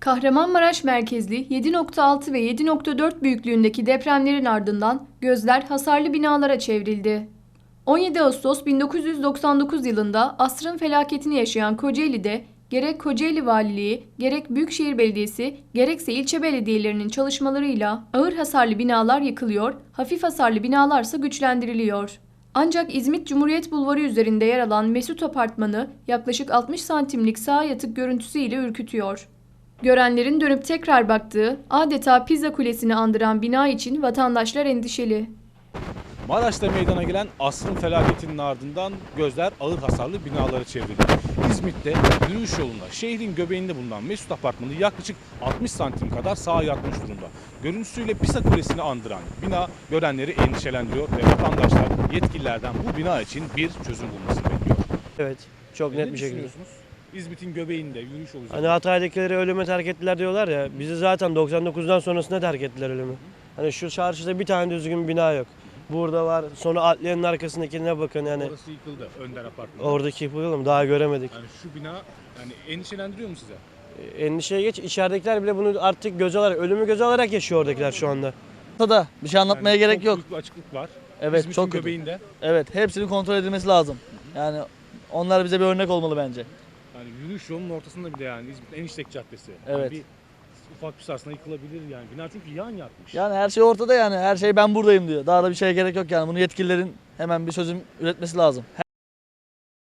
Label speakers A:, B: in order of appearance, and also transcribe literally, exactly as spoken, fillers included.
A: Kahramanmaraş merkezli yedi nokta altı ve yedi nokta dört büyüklüğündeki depremlerin ardından gözler hasarlı binalara çevrildi. on yedi Ağustos bin dokuz yüz doksan dokuz yılında asrın felaketini yaşayan Kocaeli'de gerek Kocaeli Valiliği, gerek Büyükşehir Belediyesi, gerekse ilçe belediyelerinin çalışmalarıyla ağır hasarlı binalar yıkılıyor, hafif hasarlı binalarsa güçlendiriliyor. Ancak İzmit Cumhuriyet Bulvarı üzerinde yer alan Mesut Apartmanı yaklaşık altmış santimlik sağ yatık görüntüsüyle ürkütüyor. Görenlerin dönüp tekrar baktığı, adeta Pizza Kulesi'ni andıran bina için vatandaşlar endişeli.
B: Maraş'ta meydana gelen asrın felaketinin ardından gözler ağır hasarlı binalara çevrildi. İzmit'te yürüyüş yolunda şehrin göbeğinde bulunan Mesut Apartmanı yaklaşık altmış santim kadar sağa yatmış durumda. Görüntüsüyle Pisa Kulesi'ni andıran bina görenleri endişelendiriyor ve vatandaşlar yetkililerden bu bina için bir çözüm bulmasını bekliyor.
C: Evet, çok
B: Ne
C: net bir şekilde.
B: düşünüyorsunuz? İzmit'in göbeğinde yürüyüş yolu
C: Hani Hatay'dakileri ölüme terk ettiler diyorlar ya, bizi zaten doksan dokuzdan sonrasında terk ettiler ölümü. Hani şu çarşıda bir tane düzgün bina yok. Burada var, sonra adliyenin arkasındakine bakın yani.
B: Orası yıkıldı, Önder Apartmanı.
C: Oradaki yıkıldı mı daha göremedik.
B: Yani şu bina yani endişelendiriyor mu size?
C: Ee, Endişeye geç, içeridekiler bile bunu artık göz alarak, ölümü göz alarak yaşıyor oradakiler şu anda.
D: Da bir şey anlatmaya
B: Yani
D: gerek
B: çok
D: yok.
B: büyük bir açıklık var.
D: Evet,
B: İzmit'in
D: çok kötü.
B: göbeğinde.
D: Evet, hepsinin kontrol edilmesi lazım. Yani onlar bize bir örnek olmalı bence.
B: Yani yürüyüş yolunun ortasında bir de yani İzmit'in en işlek caddesi.
D: Evet.
B: Yani bir ufak bir sarsına yıkılabilir yani. Bina çünkü yan yatmış.
D: Yani her şey ortada yani. Her şey ben buradayım diyor. Daha da bir şeye gerek yok yani. Bunu yetkililerin hemen bir çözüm üretmesi lazım.